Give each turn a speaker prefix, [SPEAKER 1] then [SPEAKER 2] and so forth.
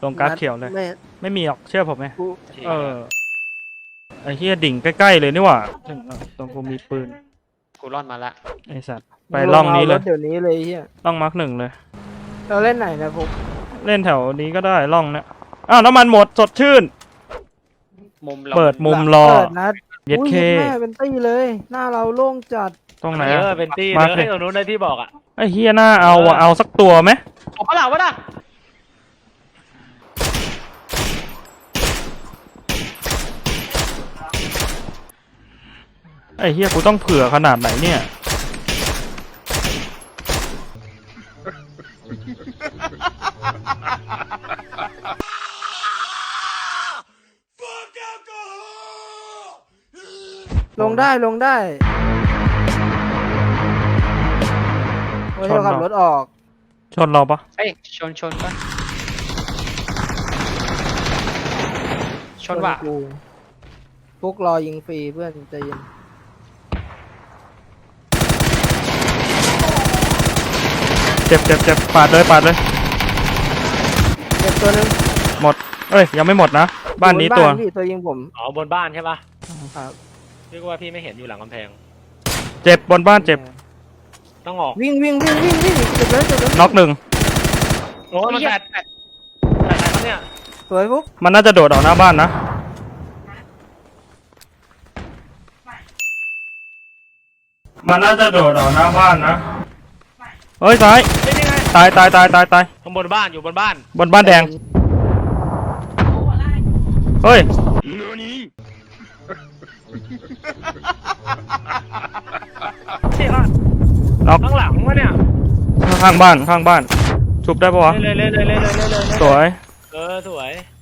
[SPEAKER 1] ตรงการ์ดเขียวเลย ไม่มีหรอกเชื่อผมไหม
[SPEAKER 2] กู
[SPEAKER 1] ไอ้เหี้ยดิ่งใกล้ๆเลยนี่หว่าตรงกูมีปืน
[SPEAKER 3] กูร่อนมาละ
[SPEAKER 1] ไอ้สัตว์ไปล่องนี้เลย
[SPEAKER 2] เดี๋ยวนี้เลยเฮีย
[SPEAKER 1] ล่องมาร์ค 1เลย
[SPEAKER 2] เราเล่นไหนนะผม
[SPEAKER 1] เล่นแถวนี้ก็ได้ล่องเนี้ยอ้าวน้ำมันหมดสดชื่น
[SPEAKER 3] มุมเรา
[SPEAKER 1] เปิดมุมรอ
[SPEAKER 2] เปิดนะ
[SPEAKER 1] เย็ดเค
[SPEAKER 2] แม่เป็นตี้เลย หน้าเราโล่งจัด
[SPEAKER 1] ตรงไหน
[SPEAKER 4] เป็นตี้
[SPEAKER 1] มา
[SPEAKER 4] เลยตรงนู้นได้ที่บอกอ่ะ
[SPEAKER 1] ไอ้เฮียหน้าเอาอะเอาสักตัวไหม
[SPEAKER 3] ออกมาหลังวะน่ะ
[SPEAKER 1] ไอ้เฮียกูต้องเผื่อขนาดไหนเนี่ย
[SPEAKER 2] ลงได้ลงได้โอ้ยเราขับรถออก
[SPEAKER 1] ชนเราปะ
[SPEAKER 3] เอ้ยชนปะชนว่ะ
[SPEAKER 2] กูฟุกรอยิงฟรีเพื่อนใจเย็น
[SPEAKER 1] เจ็บปาดเลย
[SPEAKER 2] เจ็บตัวหนึง
[SPEAKER 1] หมดเอ้ยยังไม่หมดนะบ้านนี้ตัว
[SPEAKER 2] พี่ตัวยิงผม
[SPEAKER 4] อ๋อบนบ้านใช่ปะ
[SPEAKER 2] ครับ
[SPEAKER 4] พี่ก็ว่าพี่ไม่เห็นอยู่หลังกำแพง
[SPEAKER 1] เจ็บบนบ้านเจ็บ
[SPEAKER 4] ต้องออก
[SPEAKER 2] วิ่งเจ็บเลย
[SPEAKER 1] น็อก 1
[SPEAKER 4] โอ้ยมันแปดอะไรครับเนี่ย
[SPEAKER 2] สวยฟุก
[SPEAKER 1] มันน่าจะโดดออกหน้าบ้านนะมันน่าจะโดดออกหน้าบ้านนะเฮ้ยซ้าย
[SPEAKER 4] เป็นยังไง
[SPEAKER 1] ตาย
[SPEAKER 4] ข้างบนบ้านอยู่บนบ้าน
[SPEAKER 1] บนบ้านแดงเฮ้ย
[SPEAKER 4] นี่ค่ะ
[SPEAKER 1] น็อก
[SPEAKER 4] ข้างหลังวะเนี่ย
[SPEAKER 1] ข้างบ้านชุบได้ปะวะ
[SPEAKER 4] เลย
[SPEAKER 1] สวย
[SPEAKER 4] สวย